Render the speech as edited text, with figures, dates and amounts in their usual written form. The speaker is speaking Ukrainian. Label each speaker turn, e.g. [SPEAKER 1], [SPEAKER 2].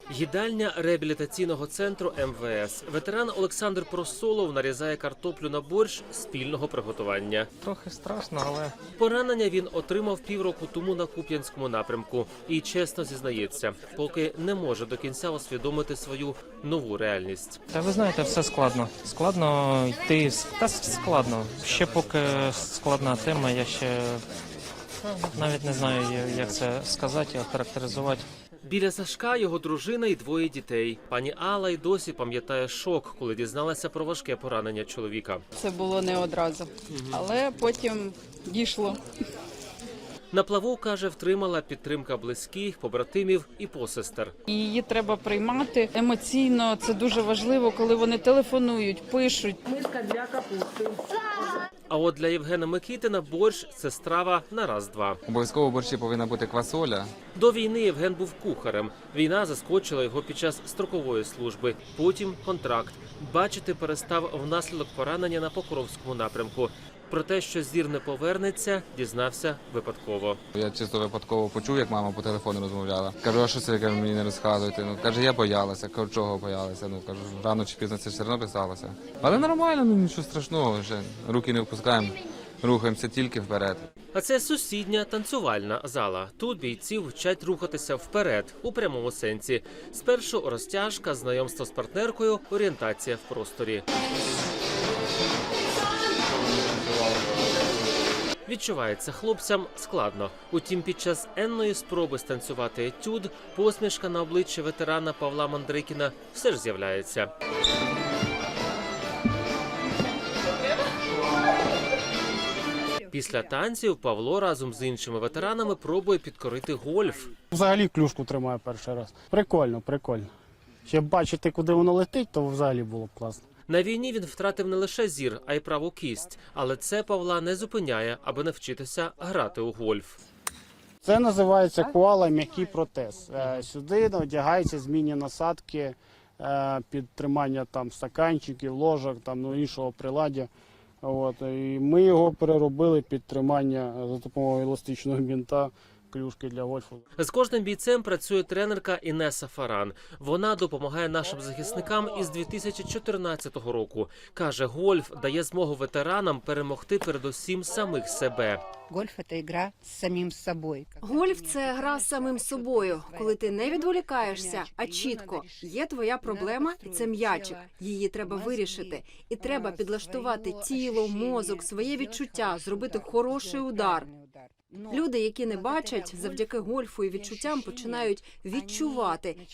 [SPEAKER 1] Їдальня реабілітаційного центру МВС. Ветеран Олександр Просолов нарізає картоплю на борщ спільного приготування.
[SPEAKER 2] Трохи страшно, але...
[SPEAKER 1] Поранення він отримав півроку тому на Куп'янському напрямку. І чесно зізнається, поки не може до кінця усвідомити свою нову реальність.
[SPEAKER 2] Та ви знаєте, все складно. Складно йти, складно. Ще поки складна тема, я ще навіть не знаю, як це сказати, охарактеризувати.
[SPEAKER 1] Біля Сашка його дружина і двоє дітей. Пані Алла й досі пам'ятає шок, коли дізналася про важке поранення чоловіка.
[SPEAKER 3] Це було не одразу, але потім дійшло.
[SPEAKER 1] На плаву, каже, втримала підтримка близьких, побратимів і посестер.
[SPEAKER 3] Її треба приймати емоційно, це дуже важливо, коли вони телефонують, пишуть.
[SPEAKER 4] Миска для капусти.
[SPEAKER 1] А от для Євгена Микитина борщ – це страва на раз-два.
[SPEAKER 5] Обов'язково в борщі повинна бути квасоля.
[SPEAKER 1] До війни Євген був кухарем. Війна заскочила його під час строкової служби. Потім контракт. Бачити перестав внаслідок поранення на Покровському напрямку. Про те, що зір не повернеться, дізнався випадково.
[SPEAKER 5] Я чисто випадково почув, як мама по телефону розмовляла. Кажу, а що це, кажу, мені не розказуєте? Ну, каже, я боялася. Кажу, чого боялася? Ну, кажу, рано чи пізно це все одно писалося. Але нормально, ну нічого страшного, вже руки не впускаємо, рухаємося тільки вперед.
[SPEAKER 1] А це сусідня танцювальна зала. Тут бійців вчать рухатися вперед, у прямому сенсі. Спершу розтяжка, знайомство з партнеркою, орієнтація в просторі. Відчувається хлопцям складно. Утім, під час енної спроби станцювати етюд, посмішка на обличчі ветерана Павла Мандрикіна все ж з'являється. Після танців Павло разом з іншими ветеранами пробує підкорити гольф.
[SPEAKER 6] Взагалі клюшку тримаю перший раз. Прикольно, прикольно. Ще бачити, куди воно летить, то взагалі було б класно.
[SPEAKER 1] На війні він втратив не лише зір, а й праву кість. Але це Павла не зупиняє, аби навчитися грати у гольф.
[SPEAKER 6] Це називається коала м'який протез. Сюди одягаються змінні насадки під тримання там стаканчиків, ложок, там іншого приладдя. От, і ми його переробили під тримання за допомогою еластичного бінта клюшки для гольфу.
[SPEAKER 1] З кожним бійцем працює тренерка Інеса Фаран. Вона допомагає нашим захисникам із 2014 року. Каже, гольф дає змогу ветеранам перемогти передусім самих себе.
[SPEAKER 7] Гольф – це гра з самим собою.
[SPEAKER 8] Гольф – це гра з самим собою, коли ти не відволікаєшся, а чітко. Є твоя проблема, і це м'ячик. Її треба вирішити. І треба підлаштувати тіло, мозок, своє відчуття, зробити хороший удар. Люди, які не бачать, завдяки гольфу і відчуттям починають відчувати